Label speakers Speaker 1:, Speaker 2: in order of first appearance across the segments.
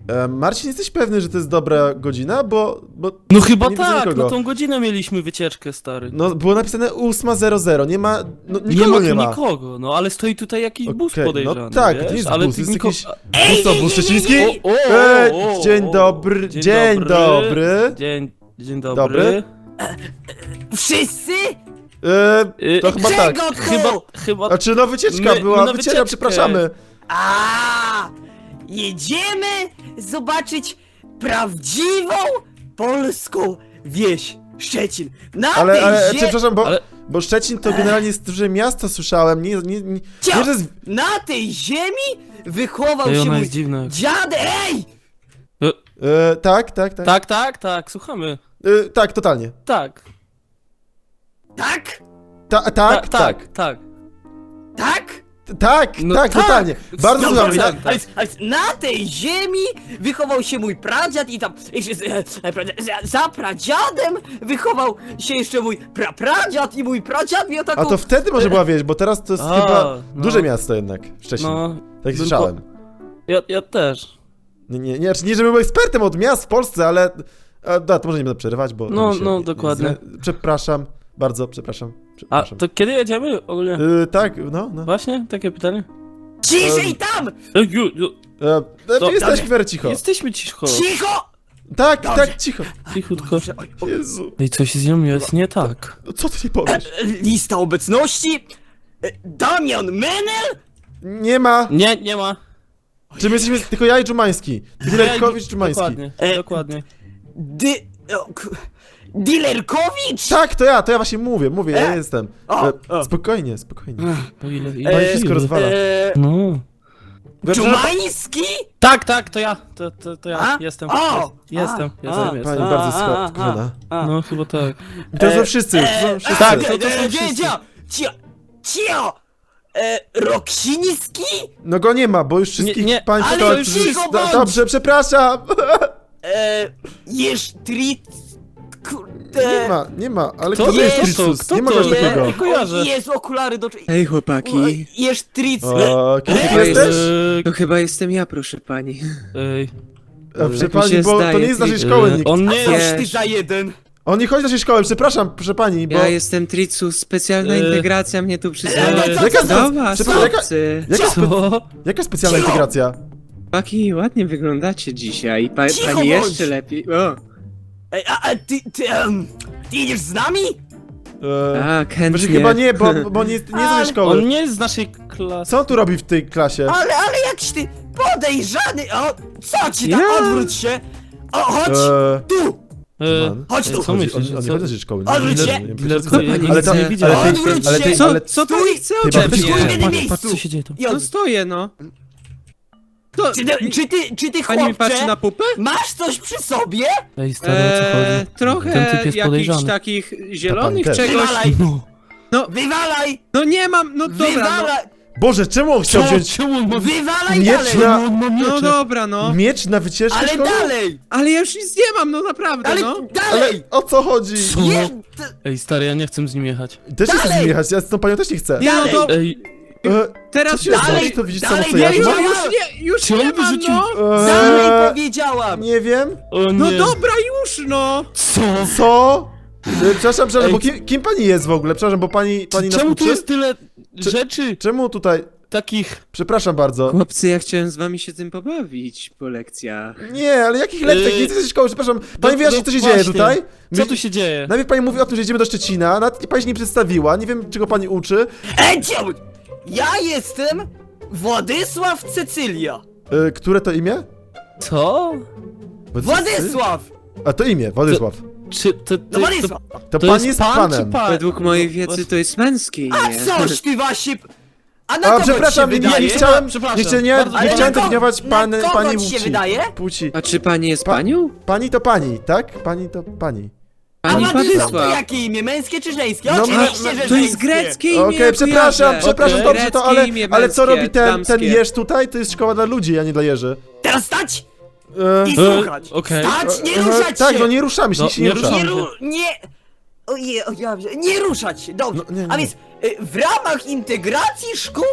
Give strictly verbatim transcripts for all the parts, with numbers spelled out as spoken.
Speaker 1: E, Marcin, jesteś pewny, że to jest dobra godzina? Bo... bo
Speaker 2: No chyba
Speaker 1: nie widzę
Speaker 2: tak,
Speaker 1: nikogo.
Speaker 2: na tą godzinę mieliśmy wycieczkę, stary.
Speaker 1: No, było napisane ósma zero zero, nie ma... No, nikogo
Speaker 2: nie ma tu
Speaker 1: nie ma.
Speaker 2: nikogo, no ale stoi tutaj jakiś bus
Speaker 1: Okej,
Speaker 2: podejrzany,
Speaker 1: no tak,
Speaker 2: wiesz?
Speaker 1: to nie jest
Speaker 2: ale
Speaker 1: bus,
Speaker 2: ty
Speaker 1: jest
Speaker 2: niko...
Speaker 1: jakiś...
Speaker 3: Ej,
Speaker 1: Bus to
Speaker 3: ej,
Speaker 1: bus
Speaker 3: ej,
Speaker 1: szczeciński?
Speaker 3: ej,
Speaker 2: O, o,
Speaker 1: Ej,
Speaker 2: o,
Speaker 1: dzień
Speaker 2: o.
Speaker 1: dobry,
Speaker 2: Dzień
Speaker 1: dzień
Speaker 2: dobry.
Speaker 1: dobry.
Speaker 2: Dzień, dzień dobry.
Speaker 1: Dobry.
Speaker 3: Wszyscy?
Speaker 1: E, to
Speaker 2: Y,
Speaker 1: chyba tak.
Speaker 3: Czego tu?
Speaker 2: Chyba, chyba...
Speaker 1: Znaczy, no wycieczka
Speaker 2: My-
Speaker 1: była,
Speaker 2: na
Speaker 1: wycieczka,
Speaker 2: wycieczkę.
Speaker 1: przepraszamy.
Speaker 3: A, jedziemy zobaczyć prawdziwą polską wieś Szczecin. Na
Speaker 1: Ale,
Speaker 3: tej
Speaker 1: ale,
Speaker 3: zie...
Speaker 1: czy, przepraszam, bo,
Speaker 2: Ale-
Speaker 1: bo Szczecin to generalnie jest duże miasto, słyszałem, nie, nie, nie,
Speaker 3: Cio!
Speaker 1: nie że z...
Speaker 3: Na tej ziemi wychował
Speaker 2: Ej,
Speaker 3: się
Speaker 2: ona
Speaker 3: mój
Speaker 2: jest dziwna.
Speaker 3: dziadek. Ej!
Speaker 1: E, tak, tak, tak.
Speaker 2: Tak, tak, tak, słuchamy.
Speaker 1: E, tak, totalnie.
Speaker 2: Tak.
Speaker 3: Tak?
Speaker 1: Ta, tak,
Speaker 2: Ta-
Speaker 1: tak,
Speaker 2: tak, tak.
Speaker 3: Tak?
Speaker 1: tak,
Speaker 2: No
Speaker 1: tak,
Speaker 2: tak.
Speaker 1: totalnie. Bardzo
Speaker 2: No
Speaker 1: słuchamy.
Speaker 2: tak,
Speaker 3: A więc, a więc na tej ziemi wychował się mój pradziad i tam jeszcze, e, e, pra- za, za pradziadem wychował się jeszcze mój prapradziad i mój pradziad miał taką...
Speaker 1: A to wtedy może była wieś, bo teraz to jest
Speaker 2: A,
Speaker 1: chyba
Speaker 2: no.
Speaker 1: duże miasto jednak, Szczecin.
Speaker 2: No,
Speaker 1: tak
Speaker 2: bym
Speaker 1: słyszałem.
Speaker 2: po- ja, ja też.
Speaker 1: Nie, nie, nie, znaczy nie, żebym był ekspertem od miast w Polsce, ale... A, da, to może nie będę przerywać, bo...
Speaker 2: No,
Speaker 1: tam się
Speaker 2: no,
Speaker 1: nie-
Speaker 2: dokładnie.
Speaker 1: nie- Przepraszam, bardzo przepraszam.
Speaker 2: A
Speaker 1: przepraszam.
Speaker 2: to kiedy jedziemy ogólnie?
Speaker 1: Y, tak, no, no.
Speaker 2: Właśnie? Takie pytanie?
Speaker 3: Ciszej tam!
Speaker 2: Ej, ju, ju,
Speaker 1: E, e,
Speaker 2: No,
Speaker 1: jesteś
Speaker 3: dobrze.
Speaker 1: w miarę cicho.
Speaker 2: Jesteśmy cicho.
Speaker 3: Cicho!
Speaker 1: Tak,
Speaker 3: Dobrze.
Speaker 1: tak, cicho.
Speaker 2: Cichutko.
Speaker 3: Dobrze, oj, oj.
Speaker 1: Jezu.
Speaker 2: Ej, coś z nią jest nie tak.
Speaker 1: No co ty nie powiesz?
Speaker 3: E, Lista obecności. E, Damian Menel.
Speaker 1: Nie ma.
Speaker 2: Nie, nie ma.
Speaker 1: Czy my jesteśmy tylko ja i Dżumański? Dilerkowicz, Dżumański.
Speaker 2: Dokładnie,
Speaker 3: E,
Speaker 2: dokładnie.
Speaker 3: Dy... o, k- Dilerkowicz?
Speaker 1: Tak, to ja, to ja właśnie mówię, mówię, ja
Speaker 3: E?
Speaker 1: jestem.
Speaker 3: O,
Speaker 1: E,
Speaker 3: o.
Speaker 1: Spokojnie, spokojnie.
Speaker 2: O ile,
Speaker 3: E,
Speaker 2: ile
Speaker 1: wszystko
Speaker 2: ile?
Speaker 1: rozwala.
Speaker 3: E,
Speaker 2: No.
Speaker 3: Dżumański?
Speaker 2: Tak, tak, to ja. To, to, to ja.
Speaker 3: A?
Speaker 2: Jestem.
Speaker 3: O!
Speaker 2: Jest, jestem,
Speaker 3: A,
Speaker 2: jestem,
Speaker 3: a,
Speaker 2: jestem.
Speaker 1: Pani bardzo
Speaker 3: a, a,
Speaker 1: skromna.
Speaker 3: a.
Speaker 2: No, chyba tak.
Speaker 1: To są
Speaker 3: E,
Speaker 1: wszyscy już, to są
Speaker 3: e,
Speaker 1: wszyscy.
Speaker 2: tak,
Speaker 3: e,
Speaker 2: to- to są
Speaker 3: e,
Speaker 2: wszyscy.
Speaker 3: Cio, cio, cio. E, Roksiński?
Speaker 1: No go nie ma, bo już wszystkich
Speaker 2: nie,
Speaker 1: państwa...
Speaker 3: ale
Speaker 1: to-
Speaker 3: już
Speaker 1: wszyscy-
Speaker 3: cicho
Speaker 1: do-
Speaker 3: bądź!
Speaker 1: Dobrze, przepraszam.
Speaker 3: E, Jesztrit... Kurde...
Speaker 1: Nie ma, nie ma, ale
Speaker 2: Kto
Speaker 1: kto to
Speaker 2: to
Speaker 1: jest
Speaker 2: jest?
Speaker 1: Tricus?
Speaker 2: Kto
Speaker 1: Nie ma
Speaker 2: to
Speaker 1: czegoś
Speaker 2: jest?
Speaker 1: takiego.
Speaker 2: Nie kojarzę.
Speaker 3: Jest okulary do...
Speaker 4: Hej chłopaki,
Speaker 3: Jesztrit...
Speaker 1: O, kim ty
Speaker 3: Ej,
Speaker 1: jesteś?
Speaker 2: Eee,
Speaker 4: to chyba jestem ja, proszę pani.
Speaker 2: Ej,
Speaker 1: A, Proszę
Speaker 4: tak mi
Speaker 1: pani,
Speaker 4: się
Speaker 1: bo to
Speaker 4: zdaje,
Speaker 1: nie jest z naszej
Speaker 4: ty-
Speaker 1: szkoły
Speaker 2: eee,
Speaker 1: nikt.
Speaker 2: on nie
Speaker 3: Coś
Speaker 2: jest.
Speaker 3: ty za jeden?
Speaker 1: On nie chodzi do naszej szkoły, przepraszam, proszę pani, bo...
Speaker 4: Ja jestem Tricus, specjalna
Speaker 2: Eee.
Speaker 4: integracja mnie tu przysłała.
Speaker 2: Eee,
Speaker 1: Jaka,
Speaker 4: Do
Speaker 1: spe...
Speaker 4: was,
Speaker 1: przepraszam, jaka,
Speaker 4: chłopcy.
Speaker 1: jaka, spe...
Speaker 2: Co?
Speaker 1: jaka specjalna
Speaker 3: Cicho!
Speaker 1: integracja?
Speaker 4: Chłopaki, ładnie wyglądacie dzisiaj. Pa,
Speaker 3: Cicho
Speaker 4: pani
Speaker 3: bądź!
Speaker 4: jeszcze lepiej. O,
Speaker 3: Ej, a, a ty, ty, um, ty idziesz z nami?
Speaker 1: Eee,
Speaker 4: tak,
Speaker 1: Właśnie
Speaker 4: chętnie.
Speaker 1: chyba nie, bo, bo nie, nie jest z
Speaker 3: Ale-
Speaker 1: naszej szkoły.
Speaker 2: On nie jest z naszej klasy.
Speaker 1: Co on tu robi w tej klasie?
Speaker 3: Ale, ale jakiś ty podejrzany, o, co ci tam,
Speaker 4: Ja?
Speaker 3: odwróć się. O, chodź,
Speaker 1: Eee,
Speaker 3: tu,
Speaker 2: Eee,
Speaker 1: man.
Speaker 3: chodź
Speaker 2: ej,
Speaker 3: tu.
Speaker 2: co
Speaker 1: on,
Speaker 2: myślisz?
Speaker 1: on, on nie
Speaker 2: Co?
Speaker 1: chodzi do naszej szkoły. nie?
Speaker 3: Odwróć
Speaker 1: Nie,
Speaker 3: się.
Speaker 1: nie, nie,
Speaker 2: Diler-
Speaker 1: nie,
Speaker 4: Co
Speaker 1: nie,
Speaker 4: pani
Speaker 1: ale
Speaker 4: chce?
Speaker 1: to,
Speaker 2: widzę.
Speaker 1: ale ty,
Speaker 3: Odwróć
Speaker 1: ale ty,
Speaker 3: się.
Speaker 4: Co,
Speaker 1: ale
Speaker 4: co
Speaker 3: Stój!
Speaker 4: pani chce
Speaker 1: Chyba
Speaker 4: ode
Speaker 1: ty-
Speaker 4: mnie?
Speaker 3: Stój na
Speaker 2: Patrz,
Speaker 3: miejscu.
Speaker 2: patrz, co się dzieje tu.
Speaker 3: I
Speaker 4: No
Speaker 3: od...
Speaker 4: stoję, no. To,
Speaker 3: czy, ty, czy ty, czy ty
Speaker 4: pani mi patrzy
Speaker 3: chłopcze,
Speaker 4: na pupę?
Speaker 3: masz coś przy sobie?
Speaker 2: Ej, stary, o co
Speaker 4: Eee,
Speaker 2: chodzi?
Speaker 4: trochę
Speaker 2: Ten typ jest
Speaker 4: jakichś
Speaker 2: podejrzany.
Speaker 4: takich zielonych
Speaker 1: też.
Speaker 4: czegoś.
Speaker 3: Wywalaj,
Speaker 2: No.
Speaker 3: wywalaj,
Speaker 4: No nie mam, no dobra, no.
Speaker 3: wywalaj,
Speaker 1: Boże, czemu on chciał
Speaker 2: Co?
Speaker 1: wziąć
Speaker 2: Czemu on ma...
Speaker 3: wywalaj
Speaker 1: Miecz
Speaker 3: dalej,
Speaker 1: na-
Speaker 2: On ma
Speaker 4: No
Speaker 2: miecze.
Speaker 4: dobra, no.
Speaker 1: miecz na wycieczkę
Speaker 3: ale
Speaker 1: szkolną?
Speaker 3: dalej,
Speaker 4: Ale ja już nic nie mam, no naprawdę,
Speaker 3: ale
Speaker 4: no.
Speaker 1: Ale
Speaker 3: dalej,
Speaker 1: o co chodzi?
Speaker 2: Co?
Speaker 3: je,
Speaker 2: Ej, stary, ja nie chcę z nim jechać.
Speaker 1: Też nie chcę z
Speaker 3: Dalej!
Speaker 1: nim jechać, ja z tą panią też nie chcę.
Speaker 4: Nie, no
Speaker 3: Dalej.
Speaker 4: to
Speaker 2: Ej,
Speaker 1: E,
Speaker 4: teraz
Speaker 1: co się
Speaker 4: już-
Speaker 1: stało?
Speaker 3: dalej,
Speaker 1: Czy to widzisz
Speaker 3: dalej,
Speaker 1: samo co
Speaker 3: dalej,
Speaker 1: ja?
Speaker 4: już,
Speaker 3: dalej.
Speaker 4: już nie, już
Speaker 2: Czy on
Speaker 4: nie mam,
Speaker 2: wyrzucił-
Speaker 4: no.
Speaker 3: dalej
Speaker 1: Eee,
Speaker 3: powiedziałam.
Speaker 1: nie wiem.
Speaker 2: o nie.
Speaker 4: No dobra, już, no.
Speaker 2: Co?
Speaker 1: Co? E, Przepraszam, przepraszam,
Speaker 2: Ej,
Speaker 1: bo kim, kim pani jest w ogóle? Przepraszam, bo pani, pani nas
Speaker 2: Czemu tu
Speaker 1: uczy?
Speaker 2: jest tyle
Speaker 1: Czy-
Speaker 2: rzeczy
Speaker 1: Czemu tutaj?
Speaker 2: takich...
Speaker 1: Przepraszam bardzo.
Speaker 4: Chłopcy, ja chciałem z wami się tym pobawić po lekcjach.
Speaker 1: Nie, ale jakich lekcjach? Nie
Speaker 2: Yy,
Speaker 1: jesteś ze szkoły, przepraszam. Pani
Speaker 2: no-
Speaker 1: wyjaśni,
Speaker 2: no
Speaker 1: co się
Speaker 2: właśnie.
Speaker 1: dzieje tutaj?
Speaker 2: Co
Speaker 1: My-
Speaker 2: tu się dzieje?
Speaker 1: Najpierw pani mówi o tym, że jedziemy do Szczecina, nawet pani się nie przedstawiła, nie wiem czego pani uczy.
Speaker 3: Ej, cię- ja jestem Władysław Cecylia.
Speaker 1: E, które to imię?
Speaker 2: Co?
Speaker 3: Władysław!
Speaker 1: A to imię, Władysław.
Speaker 2: Czy to, to,
Speaker 3: No Władysław!
Speaker 1: To,
Speaker 2: to
Speaker 1: pan
Speaker 2: jest
Speaker 1: jest
Speaker 2: pan
Speaker 1: panem.
Speaker 2: czy pan?
Speaker 4: Według mojej wiedzy to jest męskie imię.
Speaker 3: A coś ty właśnie... A na
Speaker 1: A
Speaker 3: kogo
Speaker 1: przepraszam,
Speaker 3: ci się
Speaker 1: nie, nie
Speaker 3: wydaje?
Speaker 1: chciałem,
Speaker 2: Przepraszam,
Speaker 1: nie, chcia- nie,
Speaker 2: bardzo
Speaker 1: nie
Speaker 3: Ale
Speaker 1: chciałem
Speaker 3: na kogo-
Speaker 1: definiować pan,
Speaker 3: na kogo
Speaker 1: pani
Speaker 3: ci się
Speaker 1: płci.
Speaker 3: wydaje?
Speaker 1: Płci.
Speaker 4: A czy pani jest
Speaker 1: Pa-
Speaker 4: panią?
Speaker 1: Pani to pani, tak? Pani to pani.
Speaker 3: A
Speaker 4: Pani
Speaker 3: Władysław to
Speaker 4: Władysław.
Speaker 3: jakie imię? Męskie czy żeńskie?
Speaker 1: No,
Speaker 3: Oczywiście,
Speaker 1: no,
Speaker 3: że
Speaker 4: To
Speaker 3: żeńskie.
Speaker 4: jest greckie imię,
Speaker 1: Okej,
Speaker 4: ja
Speaker 1: przepraszam,
Speaker 4: kojarzę.
Speaker 1: przepraszam,
Speaker 2: Okej.
Speaker 1: dobrze to,
Speaker 4: Greckie
Speaker 1: ale,
Speaker 4: imię
Speaker 1: ale co
Speaker 4: męskie,
Speaker 1: robi ten, ten
Speaker 4: damskie.
Speaker 1: jeż tutaj? To jest szkoła dla ludzi, a nie dla jeży.
Speaker 3: Teraz stać
Speaker 1: E,
Speaker 3: i
Speaker 2: E,
Speaker 3: słuchać.
Speaker 2: okej.
Speaker 3: Stać, nie
Speaker 1: e,
Speaker 3: ruszać
Speaker 1: Tak,
Speaker 3: się.
Speaker 1: no nie ruszamy się,
Speaker 2: No,
Speaker 1: nikt się nie
Speaker 2: nie
Speaker 1: rusza.
Speaker 2: ruszamy.
Speaker 3: Nie, ru... nie... Ojej, ojej, nie ruszać się, dobrze.
Speaker 1: No, nie, nie.
Speaker 3: A więc y, w ramach integracji szkół w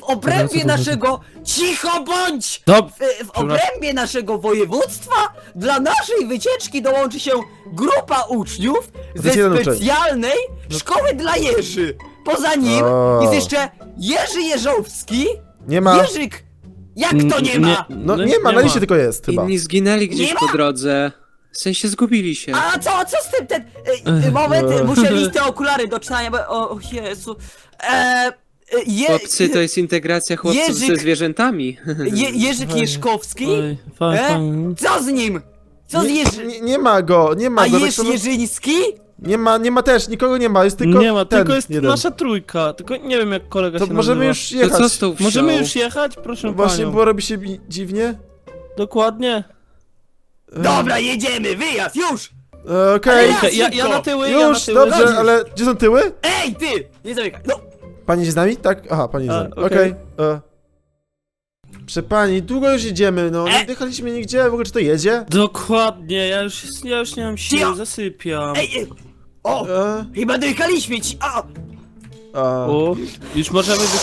Speaker 3: obrębie
Speaker 2: co
Speaker 3: naszego... Cicho bądź!
Speaker 2: Dob...
Speaker 3: W, w obrębie naszego województwa dla naszej wycieczki dołączy się grupa uczniów
Speaker 1: To
Speaker 3: ze
Speaker 1: jest jeden uczeń.
Speaker 3: specjalnej szkoły dla Jerzy. Poza nim
Speaker 1: O.
Speaker 3: jest jeszcze Jerzy Jeżowski.
Speaker 1: Nie ma.
Speaker 3: Jerzyk! Jak to nie ma?
Speaker 1: No nie ma, na liście tylko jest chyba.
Speaker 4: Inni zginęli gdzieś
Speaker 3: Nie ma?
Speaker 4: po drodze. W sensie zgubili się.
Speaker 3: A co, co z tym ten... E, moment, muszę mieć te okulary do czytania, bo... O o Jezu... E, je,
Speaker 4: Chłopcy, to jest integracja chłopców
Speaker 3: Jerzyk-
Speaker 4: ze zwierzętami.
Speaker 3: je, Jerzyk Jerzkowski?
Speaker 2: Oj, fa,
Speaker 3: E?
Speaker 2: fa.
Speaker 3: Co z nim? Co z
Speaker 1: Nie,
Speaker 3: Jerzy...
Speaker 1: nie, nie ma go, nie ma
Speaker 3: A
Speaker 1: go. tak
Speaker 3: Jerz
Speaker 1: samo-
Speaker 3: Jerzyński?
Speaker 1: Nie ma, nie ma też, nikogo nie ma, jest tylko
Speaker 2: Nie ma,
Speaker 1: ten
Speaker 2: tylko jest
Speaker 1: jeden.
Speaker 2: nasza trójka. Tylko nie wiem jak kolega
Speaker 1: To
Speaker 2: się
Speaker 1: możemy
Speaker 2: nazywa.
Speaker 1: już
Speaker 4: To co
Speaker 1: jechać.
Speaker 4: z tą wsią?
Speaker 2: Możemy już jechać? Proszę
Speaker 1: Właśnie,
Speaker 2: panią.
Speaker 1: bo robi się mi dziwnie.
Speaker 2: Dokładnie.
Speaker 3: Dobra, jedziemy, wyjazd, już!
Speaker 1: E, Okej,
Speaker 3: Ale
Speaker 2: Ja, ja na tyły, ja na
Speaker 1: już,
Speaker 2: tyły.
Speaker 1: dobrze,
Speaker 3: Chodzisz.
Speaker 1: ale gdzie są tyły?
Speaker 3: Ej, ty! Nie zamykaj, no!
Speaker 1: Pani jest z nami? Tak? Aha, pani jest z
Speaker 2: A,
Speaker 1: nami.
Speaker 2: okej.
Speaker 1: Okej. e. Proszę pani, długo już jedziemy, no. Nie
Speaker 3: E.
Speaker 1: jechaliśmy nigdzie, w ogóle czy to jedzie?
Speaker 2: Dokładnie, ja już, ja już nie mam siły,
Speaker 3: Cio.
Speaker 2: zasypiam.
Speaker 3: Ej, ej! O!
Speaker 1: E,
Speaker 3: Chyba dojechaliśmy ci! A!
Speaker 1: a,
Speaker 2: O, już możemy wy...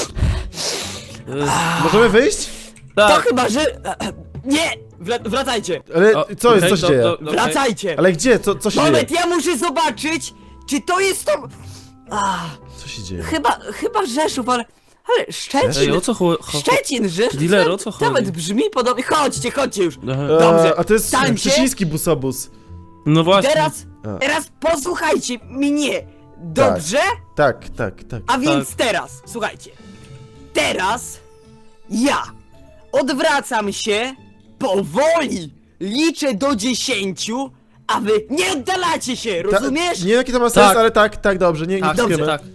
Speaker 2: E,
Speaker 1: możemy wyjść?
Speaker 3: To
Speaker 2: tak.
Speaker 3: chyba, że... Nie! Wra- wracajcie!
Speaker 1: Ale
Speaker 2: O,
Speaker 1: co jest,
Speaker 2: okej,
Speaker 1: co się
Speaker 2: do-
Speaker 1: dzieje?
Speaker 2: do- okej.
Speaker 3: Wracajcie!
Speaker 1: Ale gdzie? Co, co się
Speaker 3: Moment,
Speaker 1: dzieje?
Speaker 3: ja muszę zobaczyć, czy to jest to... A,
Speaker 1: Co się dzieje?
Speaker 3: chyba, chyba Rzeszów, ale... Ale
Speaker 2: Ej,
Speaker 3: Szczecin...
Speaker 2: o co chodzi?
Speaker 3: Szczecin, Rzeszów...
Speaker 2: Dealer, o co chodzi?
Speaker 3: Nawet brzmi podobnie... Chodźcie, chodźcie już!
Speaker 2: Aha.
Speaker 3: Dobrze,
Speaker 1: E, a to jest
Speaker 3: stańcie.
Speaker 1: szczeciński busobus.
Speaker 2: No właśnie.
Speaker 3: Teraz...
Speaker 1: A.
Speaker 3: Teraz posłuchajcie mnie! Dobrze?
Speaker 1: Tak, tak, tak.
Speaker 3: A więc teraz, słuchajcie. Teraz ja odwracam się powoli, liczę do dziesięciu, a wy nie oddalacie się,
Speaker 1: Ta-
Speaker 3: rozumiesz?
Speaker 1: Nie wiem jaki to ma sens,
Speaker 2: Tak.
Speaker 1: ale tak, tak, dobrze, nie, nie
Speaker 2: Tak,
Speaker 1: dyskujemy.
Speaker 2: tak.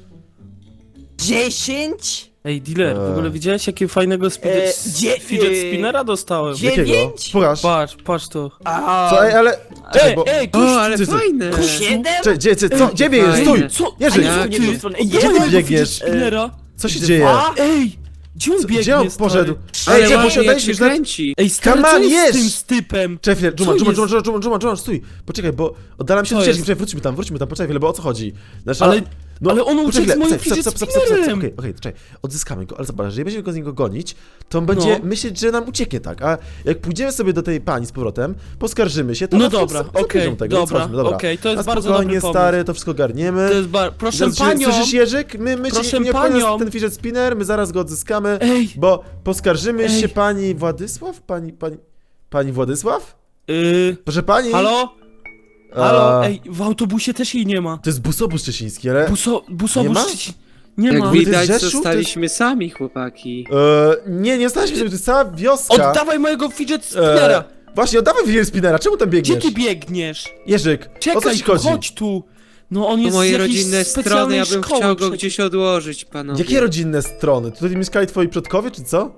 Speaker 3: Dziesięć,
Speaker 2: Ej, dealer, w
Speaker 1: Eee.
Speaker 2: ogóle widziałeś jakiego fajnego speed...
Speaker 3: Eee,
Speaker 2: s-
Speaker 3: dzie-
Speaker 2: fidget
Speaker 3: eee,
Speaker 2: spinnera dostałem?
Speaker 3: dzie-
Speaker 1: Jakiego?
Speaker 3: dziewięć?
Speaker 1: Pokaż.
Speaker 2: Patrz, patrz to.
Speaker 3: a...
Speaker 1: Co, ej, ale... Czekaj,
Speaker 2: Ej,
Speaker 1: bo...
Speaker 2: ej, tu
Speaker 4: O, ale
Speaker 1: ty- ty-
Speaker 4: fajne!
Speaker 3: Ku siedem?
Speaker 1: Czekaj, gdzie, gdzie, co? Gdzie biegniesz? Stój!
Speaker 4: Fajne.
Speaker 2: Co?
Speaker 1: Jerzyk,
Speaker 3: A nie,
Speaker 2: ty-
Speaker 3: w jedną stronę. Ej,
Speaker 1: Gdzie
Speaker 3: jeden,
Speaker 1: ty
Speaker 2: mojego
Speaker 1: biegniesz?
Speaker 2: fidget spinnera?
Speaker 1: Co się
Speaker 3: dwa,
Speaker 1: dzieje?
Speaker 2: Ej! Gdzie on
Speaker 1: Co,
Speaker 2: biegnie,
Speaker 1: gdzie on
Speaker 2: stary?
Speaker 1: poszedł?
Speaker 4: Ale
Speaker 1: Ej, gdzie
Speaker 4: ładnie,
Speaker 1: musiał
Speaker 4: jak
Speaker 1: dać
Speaker 4: się
Speaker 1: już na...
Speaker 4: kręci.
Speaker 2: Ej, stary,
Speaker 1: Come
Speaker 2: co
Speaker 1: on,
Speaker 2: jest
Speaker 1: jedź!
Speaker 2: z tym stypem?
Speaker 1: Czekaj chwilę,
Speaker 2: Co
Speaker 1: Dżuma, Dżuma,
Speaker 2: jest?
Speaker 1: Dżuma, Dżuma, Dżuma, Dżuma, stój! Poczekaj, bo oddalam się
Speaker 2: Co
Speaker 1: od ścieżki,
Speaker 2: jest?
Speaker 1: poczekaj, wróćmy tam, wróćmy tam, poczekaj chwilę, bo o co chodzi? Nasza...
Speaker 2: Ale- ale on uciekł
Speaker 1: poczekaj,
Speaker 2: z moim
Speaker 1: poczekaj,
Speaker 2: fidget
Speaker 1: stop, stop, stop, stop, stop,
Speaker 2: spinnerem.
Speaker 1: Okej, okej, czekaj, odzyskamy go, ale zobacz, jeżeli będziemy go z niego gonić, to on będzie
Speaker 2: No.
Speaker 1: myśleć, że nam ucieknie, tak? A jak pójdziemy sobie do tej pani z powrotem, poskarżymy się, to
Speaker 2: No
Speaker 1: na wpół
Speaker 2: dobra,
Speaker 1: sobie
Speaker 2: okej,
Speaker 1: zabierzą tego,
Speaker 2: dobra,
Speaker 1: chodźmy, dobra.
Speaker 2: okej, to jest
Speaker 1: Na
Speaker 2: bardzo
Speaker 1: spokojnie,
Speaker 2: dobry pomysł.
Speaker 1: stary, to wszystko garniemy.
Speaker 2: To jest bar... Proszę
Speaker 1: Słyszysz-
Speaker 2: panią!
Speaker 1: Słyszysz, Jerzyk? My, my
Speaker 2: Proszę
Speaker 1: ci nie
Speaker 2: panią.
Speaker 1: panią. ten fidget spinner, my zaraz go odzyskamy,
Speaker 2: Ej!
Speaker 1: bo poskarżymy
Speaker 2: Ej.
Speaker 1: się pani Władysław? Pani, pani, pani Władysław?
Speaker 2: Yy,
Speaker 1: Proszę pani?
Speaker 2: halo? Halo?
Speaker 1: A,
Speaker 2: Ej, w autobusie też jej nie ma.
Speaker 1: To jest busobus szczeciński, ale...
Speaker 2: Buso... Busobus...
Speaker 1: Nie ma?
Speaker 2: Szczecin- Nie
Speaker 4: Jak
Speaker 2: ma.
Speaker 1: wi-
Speaker 4: widać,
Speaker 1: Rzeszów, to
Speaker 4: zostaliśmy sami, chłopaki.
Speaker 1: E, nie, nie staliśmy sobie, to jest cała wioska.
Speaker 2: Oddawaj mojego fidget spinnera!
Speaker 1: E, właśnie, oddawaj fidget spinnera, czemu tam
Speaker 2: Gdzie
Speaker 1: biegniesz?
Speaker 2: ty biegniesz?
Speaker 1: Jerzyk, o co
Speaker 2: Czekaj
Speaker 1: ci
Speaker 2: tu,
Speaker 1: chodzi?
Speaker 2: chodź tu! No on
Speaker 4: To
Speaker 2: jest z
Speaker 4: moje
Speaker 2: jakiejś
Speaker 4: rodzinne strony,
Speaker 2: specjalnej
Speaker 4: ja bym
Speaker 2: szkoły
Speaker 4: chciał go
Speaker 2: przecież.
Speaker 4: gdzieś odłożyć, panowie.
Speaker 1: Jakie rodzinne strony? Tutaj mieszkali twoi przodkowie, czy co?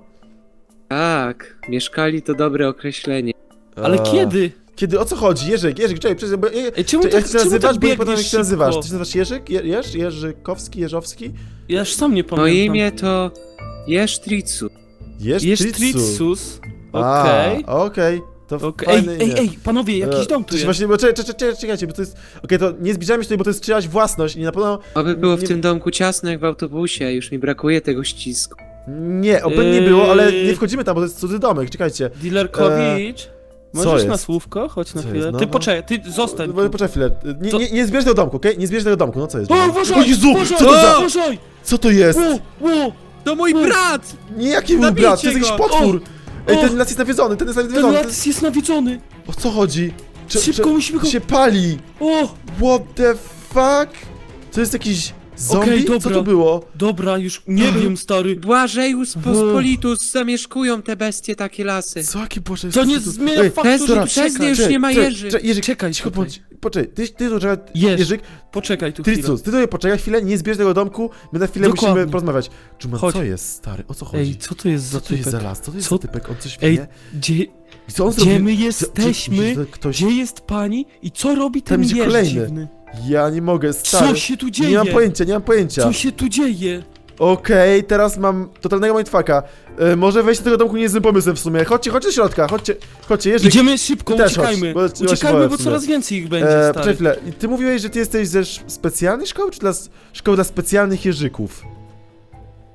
Speaker 4: Tak, mieszkali to dobre określenie.
Speaker 2: Ale
Speaker 1: E,
Speaker 2: kiedy?
Speaker 1: Kiedy, o co chodzi? Jerzyk, Jerzyk, czekaj, przecież, bo... Je,
Speaker 2: Ej, czemu
Speaker 1: czekaj,
Speaker 2: tak,
Speaker 1: jak się
Speaker 2: czemu
Speaker 1: nazywasz,
Speaker 2: tak
Speaker 1: bo nie pamiętam jak
Speaker 2: biegniesz
Speaker 1: się nazywasz.
Speaker 2: szybko?
Speaker 1: Ty się nazywasz Jerzyk? Je, Jerz? Jerzykowski? Jeżowski?
Speaker 2: Ja już sam nie pamiętam.
Speaker 4: Moje imię to Jesztricu.
Speaker 1: Jeż
Speaker 2: Jest
Speaker 1: A,
Speaker 2: Okej.
Speaker 1: okej. To
Speaker 2: Okej. Ej,
Speaker 1: fajne
Speaker 2: ej,
Speaker 1: imię.
Speaker 2: ej, panowie, jakiś
Speaker 1: E,
Speaker 2: dom
Speaker 1: to
Speaker 2: tu jest.
Speaker 1: Właśnie, bo czekaj, czekaj, czekaj, czekajcie, bo to jest... Okej, to nie zbliżajmy się tutaj, bo to jest czyjaś własność i na pewno...
Speaker 4: Oby było w
Speaker 1: Nie-
Speaker 4: tym domku ciasno jak w autobusie, już mi brakuje tego ścisku.
Speaker 1: Nie, oby nie było, ale
Speaker 2: Yy.
Speaker 1: nie wchodzimy tam, bo to jest cudzy domek, czekajcie.
Speaker 2: Dealerkowicz, możesz
Speaker 1: jest?
Speaker 2: na słówko? Chodź na
Speaker 1: Co
Speaker 2: chwilę.
Speaker 1: jest? No,
Speaker 2: Ty
Speaker 1: no.
Speaker 2: poczekaj, ty zostań
Speaker 1: Bo-
Speaker 2: tu.
Speaker 1: Poczekaj chwilę, nie,
Speaker 2: To-
Speaker 1: nie, nie zbierz tego domku, okej? Nie zbierz tego domku, no co jest?
Speaker 2: O,
Speaker 1: O
Speaker 2: uważaj!
Speaker 1: Jezu,
Speaker 2: uważaj,
Speaker 1: co to za...
Speaker 2: uważaj!
Speaker 1: Co to jest?
Speaker 2: O, o,
Speaker 4: To mój
Speaker 2: Mm.
Speaker 4: brat!
Speaker 1: Nie, jaki mój
Speaker 4: Zabijcie
Speaker 1: brat, to jest jakiś
Speaker 4: go!
Speaker 1: potwór! Ej,
Speaker 2: O!
Speaker 1: ten las jest nawiedzony, ten jest
Speaker 2: ten
Speaker 1: nawiedzony, ten...
Speaker 2: lat jest nawiedzony!
Speaker 1: O co chodzi? Czy,
Speaker 2: Szybko
Speaker 1: czy-
Speaker 2: musimy go...
Speaker 1: się pali!
Speaker 2: O,
Speaker 1: What the fuck? To jest jakiś zombie?
Speaker 2: Okej,
Speaker 1: Co
Speaker 2: dobra.
Speaker 1: to było?
Speaker 2: dobra, już nie wiem, stary.
Speaker 4: Błażejus Pospolitus, zamieszkują te bestie takie lasy.
Speaker 1: Co, jaki boże...
Speaker 2: To nie
Speaker 1: co tu-
Speaker 2: zmienia
Speaker 1: Ej,
Speaker 2: faktu, że
Speaker 1: Testora,
Speaker 2: tu
Speaker 4: przez
Speaker 2: czekaj.
Speaker 4: nie już nie ma
Speaker 1: czekaj,
Speaker 4: Jerzy.
Speaker 1: czekaj, Jerzyk,
Speaker 2: Czekaj,
Speaker 1: cicho
Speaker 2: czekaj.
Speaker 1: bądź. Poczekaj, ty, ty tu trzeba...
Speaker 2: Jerz.
Speaker 1: Jerzyk,
Speaker 2: Poczekaj tu chwilę.
Speaker 1: Tricus, ty tutaj poczekaj chwilę, nie zbierz tego domku, my na chwilę
Speaker 2: Dokładnie.
Speaker 1: musimy porozmawiać. Dżuma,
Speaker 2: Chodź.
Speaker 1: co jest, stary? O co chodzi?
Speaker 2: Ej, co to jest za
Speaker 1: co to jest za
Speaker 2: typek?
Speaker 1: las? Co to jest
Speaker 2: Co-
Speaker 1: za typek? On coś
Speaker 2: Ej,
Speaker 1: wie?
Speaker 2: gdzie,
Speaker 1: I co on
Speaker 2: gdzie
Speaker 1: zrobił?
Speaker 2: my
Speaker 1: Co-
Speaker 2: jesteśmy?
Speaker 1: myślisz, że ktoś...
Speaker 2: Gdzie jest pani i co robi ten
Speaker 1: Tam idzie
Speaker 2: jeż
Speaker 1: kolejny.
Speaker 2: dziwny?
Speaker 1: Ja nie mogę, stary.
Speaker 2: Co się tu dzieje?
Speaker 1: Nie mam pojęcia, nie mam pojęcia.
Speaker 2: Co się tu dzieje?
Speaker 1: Okej, teraz mam totalnego mindfucka. E, może wejść do tego domku nie jest złym pomysłem w sumie. Chodźcie, chodźcie do środka, chodźcie, chodźcie, Jerzyk.
Speaker 2: Idziemy szybko,
Speaker 1: ty też
Speaker 2: uciekajmy.
Speaker 1: chodź, bo-
Speaker 2: Uciekajmy,
Speaker 1: bo-
Speaker 2: bo
Speaker 1: w
Speaker 2: coraz
Speaker 1: sumie.
Speaker 2: więcej ich będzie,
Speaker 1: E,
Speaker 2: stary.
Speaker 1: poczekaj chwilę, I ty mówiłeś, że ty jesteś ze sz- specjalnej szkoły, czy dla s- szkoły dla specjalnych jeżyków?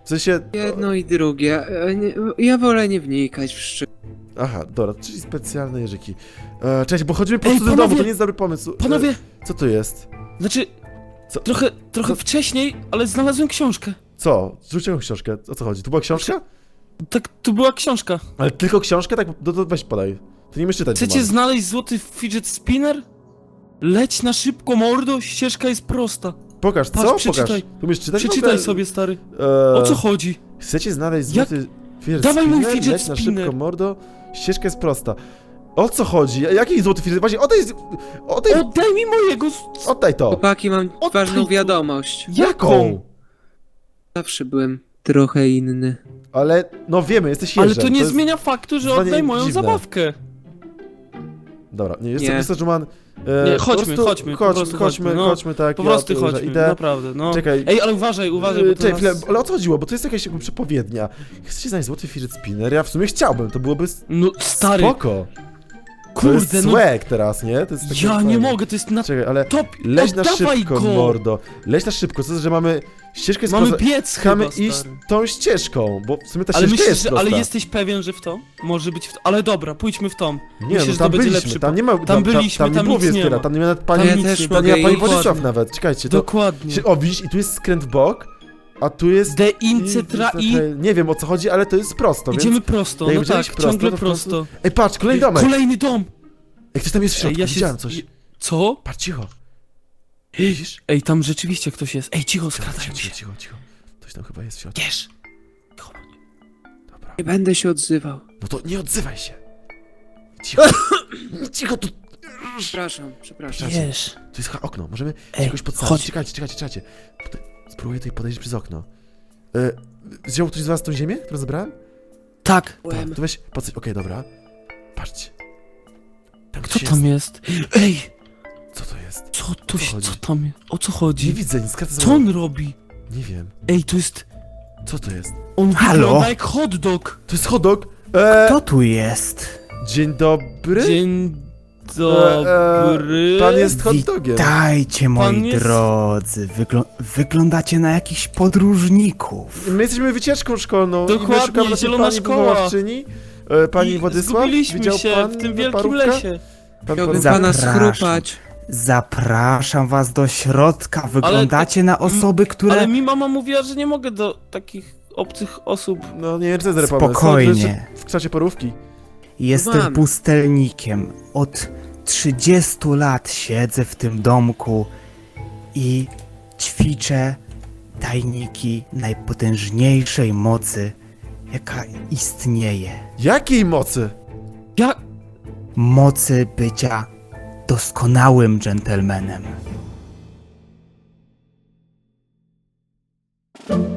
Speaker 1: W sensie...
Speaker 4: Jedno i drugie. E, nie, ja wolę nie wnikać w szczegóły.
Speaker 1: Aha, dobra, czyli specjalne jeżyki. E, cześć, bo chodzimy po
Speaker 2: Ej,
Speaker 1: prostu do
Speaker 2: panowie!
Speaker 1: domu, to nie jest dobry pomysł. E,
Speaker 2: Panowie,
Speaker 1: co to jest?
Speaker 2: znaczy,
Speaker 1: Co?
Speaker 2: trochę, trochę
Speaker 1: Co?
Speaker 2: wcześniej, ale znalazłem książkę.
Speaker 1: Co? Zrzuciłem książkę, o co chodzi? Tu była książka?
Speaker 2: Tak, tu była książka.
Speaker 1: Ale tylko książkę? Tak, no to weź podaj. To nie umiesz czytać.
Speaker 2: Chcecie
Speaker 1: Roman.
Speaker 2: znaleźć złoty fidget spinner? Leć na szybko, mordo, ścieżka jest prosta.
Speaker 1: Pokaż,
Speaker 2: Patrz,
Speaker 1: co?
Speaker 2: przeczytaj.
Speaker 1: Pokaż. Tu umiesz czytać? w
Speaker 2: Przeczytaj
Speaker 1: ogóle?
Speaker 2: sobie, stary.
Speaker 1: E,
Speaker 2: O co chodzi?
Speaker 1: Chcecie znaleźć
Speaker 2: Jak-
Speaker 1: złoty... fidget
Speaker 2: Dawaj mój
Speaker 1: spinner?
Speaker 2: fidget
Speaker 1: Leć na
Speaker 2: spinner.
Speaker 1: szybko, mordo. Ścieżka jest prosta. O co chodzi? Jaki złoty fidget? Właśnie, oddaj... Oddaj,
Speaker 2: Oddaj mi mojego... s-
Speaker 1: oddaj to.
Speaker 4: Chłopaki, mam
Speaker 2: Oddaj
Speaker 4: ważną
Speaker 2: to.
Speaker 4: wiadomość.
Speaker 2: Jaką?
Speaker 4: Zawsze byłem trochę inny.
Speaker 1: Ale, no wiemy, jesteś
Speaker 2: Ale
Speaker 1: jeżem.
Speaker 2: to nie
Speaker 1: jest...
Speaker 2: zmienia faktu, że
Speaker 1: zdanie
Speaker 2: oddaj moją
Speaker 1: dziwne.
Speaker 2: zabawkę.
Speaker 1: Dobra, nie, jest
Speaker 4: Nie.
Speaker 1: to wystarczy, Roman. E,
Speaker 2: Nie,
Speaker 1: po
Speaker 2: chodźmy,
Speaker 1: prostu
Speaker 2: chodźmy, po
Speaker 1: Chodźmy,
Speaker 2: prostu
Speaker 1: chodźmy,
Speaker 2: chodźmy, no.
Speaker 1: chodźmy, tak.
Speaker 2: Po
Speaker 1: ja
Speaker 2: prostu
Speaker 1: tu, że
Speaker 2: chodźmy,
Speaker 1: idę.
Speaker 2: naprawdę, no.
Speaker 1: Czekaj.
Speaker 2: Ej, ale uważaj, uważaj,
Speaker 1: Yy,
Speaker 2: bo to
Speaker 1: Czekaj,
Speaker 2: nas...
Speaker 1: chwilę, ale o co chodziło? Bo to jest jakaś jakby przepowiednia. Chcecie znaleźć złoty fidget spinner? Ja w sumie chciałbym, to byłoby s-
Speaker 2: No, stary,
Speaker 1: spoko. To
Speaker 2: kurde,
Speaker 1: jest
Speaker 2: no...
Speaker 1: swag teraz, nie? To jest takie
Speaker 2: Ja nie
Speaker 1: fajne.
Speaker 2: mogę, to jest na
Speaker 1: Czekaj, ale
Speaker 2: top...
Speaker 1: leź na
Speaker 2: Oddawaj
Speaker 1: szybko,
Speaker 2: go!
Speaker 1: mordo. Leź na szybko, co to, że mamy ścieżkę jest
Speaker 2: Mamy
Speaker 1: poza...
Speaker 2: biec
Speaker 1: Chcemy
Speaker 2: chyba,
Speaker 1: iść
Speaker 2: stary.
Speaker 1: tą ścieżką, bo w sumie ta
Speaker 2: Ale
Speaker 1: ścieżka
Speaker 2: myślisz,
Speaker 1: jest
Speaker 2: że,
Speaker 1: prosta.
Speaker 2: ale jesteś pewien, że w to? Może być w to. Ale dobra, pójdźmy w to.
Speaker 1: Nie,
Speaker 2: Myślę,
Speaker 1: no
Speaker 2: że to
Speaker 1: tam
Speaker 2: będzie
Speaker 1: byliśmy,
Speaker 2: lepszy
Speaker 1: tam nie ma...
Speaker 2: Tam byliśmy,
Speaker 1: tam,
Speaker 2: tam
Speaker 1: nie było
Speaker 2: nic nie
Speaker 1: Wieskiera,
Speaker 2: ma.
Speaker 1: tam nie ma nawet pani...
Speaker 2: Tam
Speaker 4: Ja
Speaker 2: nic
Speaker 4: też
Speaker 2: nie
Speaker 1: Tam
Speaker 4: mogę
Speaker 1: nie ma pani
Speaker 4: iść.
Speaker 1: Władysław nawet, czekajcie, to...
Speaker 2: Dokładnie.
Speaker 1: Się, o, widzisz, i tu jest skręt w bok, a tu jest...
Speaker 2: De incetra i...
Speaker 1: Nie wiem o co chodzi, ale to jest prosto,
Speaker 2: Idziemy
Speaker 1: więc...
Speaker 2: prosto,
Speaker 1: jak
Speaker 2: no
Speaker 1: będziemy
Speaker 2: tak,
Speaker 1: iść prosto,
Speaker 2: ciągle
Speaker 1: to w końcu-
Speaker 2: prosto.
Speaker 1: Ej, patrz, kolejny domek!
Speaker 2: Kolejny dom!
Speaker 1: Ej, ktoś tam jest w środku,
Speaker 2: Ej, ja się...
Speaker 1: widziałem coś.
Speaker 2: Co?
Speaker 1: Patrz, cicho. Widzisz?
Speaker 2: Ej, tam rzeczywiście ktoś jest. Ej, cicho,
Speaker 1: Cicho,
Speaker 2: skradają
Speaker 1: cicho,
Speaker 2: się.
Speaker 1: cicho, cicho. Ktoś tam chyba jest w środku.
Speaker 2: Wiesz.
Speaker 1: Dobra.
Speaker 4: Nie będę się odzywał.
Speaker 1: No to nie odzywaj się. Cicho. Cicho, tu...
Speaker 4: Przepraszam, przepraszam.
Speaker 2: Wiesz.
Speaker 1: Tu jest chyba okno, możemy się
Speaker 2: Ej,
Speaker 1: jakoś podsadzić.
Speaker 2: chodź.
Speaker 1: Czekajcie, czekajcie, czekajcie. Tutaj spróbuję tutaj podejść przez okno. E, wziął ktoś z was tą ziemię, którą zebrałem?
Speaker 2: Tak.
Speaker 1: Tak, to weź, podsadź, okej, dobra. Patrzcie. Tam
Speaker 2: Kto
Speaker 1: ktoś
Speaker 2: tam jest? Ej,
Speaker 1: Co to jest?
Speaker 2: co tu się...
Speaker 1: chodzi?
Speaker 2: Co tam jest? O co
Speaker 1: Nie
Speaker 2: chodzi?
Speaker 1: widzę, nic skracę
Speaker 2: Co on robi?
Speaker 1: Nie wiem.
Speaker 2: Ej, to jest...
Speaker 1: Co to jest?
Speaker 2: On
Speaker 5: Halo?
Speaker 2: wygląda jak hot dog.
Speaker 1: To jest hot dog. E,
Speaker 5: Kto tu jest?
Speaker 1: Dzień dobry.
Speaker 2: Dzień
Speaker 1: E,
Speaker 2: dobry.
Speaker 1: Pan jest hot dogiem.
Speaker 5: Witajcie, moi
Speaker 2: Pan jest-
Speaker 5: drodzy. Wygl wyglądacie na jakichś podróżników.
Speaker 1: My jesteśmy wycieczką szkolną i
Speaker 2: Dokładnie,
Speaker 1: my szukamy naszej
Speaker 2: zielona
Speaker 1: pani
Speaker 2: szkoła.
Speaker 1: wychowawczyni. E, Pani
Speaker 2: I
Speaker 1: Władysław,
Speaker 2: zgubiliśmy
Speaker 1: widział
Speaker 2: się
Speaker 1: pan
Speaker 2: w tym wielkim
Speaker 1: parówka?
Speaker 2: lesie.
Speaker 1: Pan
Speaker 4: Chciałbym
Speaker 1: parówka?
Speaker 4: pana
Speaker 5: Zapraszam.
Speaker 4: schrupać.
Speaker 5: Zapraszam was do środka. Wyglądacie na osoby, które...
Speaker 2: Ale mi mama mówiła, że nie mogę do takich obcych osób.
Speaker 1: No nie wiem, co jest dobry pomysł.
Speaker 5: Spokojnie.
Speaker 1: W kształcie parówki.
Speaker 5: Jestem
Speaker 4: Mam.
Speaker 5: pustelnikiem. Od trzydziestu lat siedzę w tym domku i ćwiczę tajniki najpotężniejszej mocy, jaka istnieje.
Speaker 1: Jakiej mocy?
Speaker 2: Ja...
Speaker 5: Mocy bycia doskonałym dżentelmenem.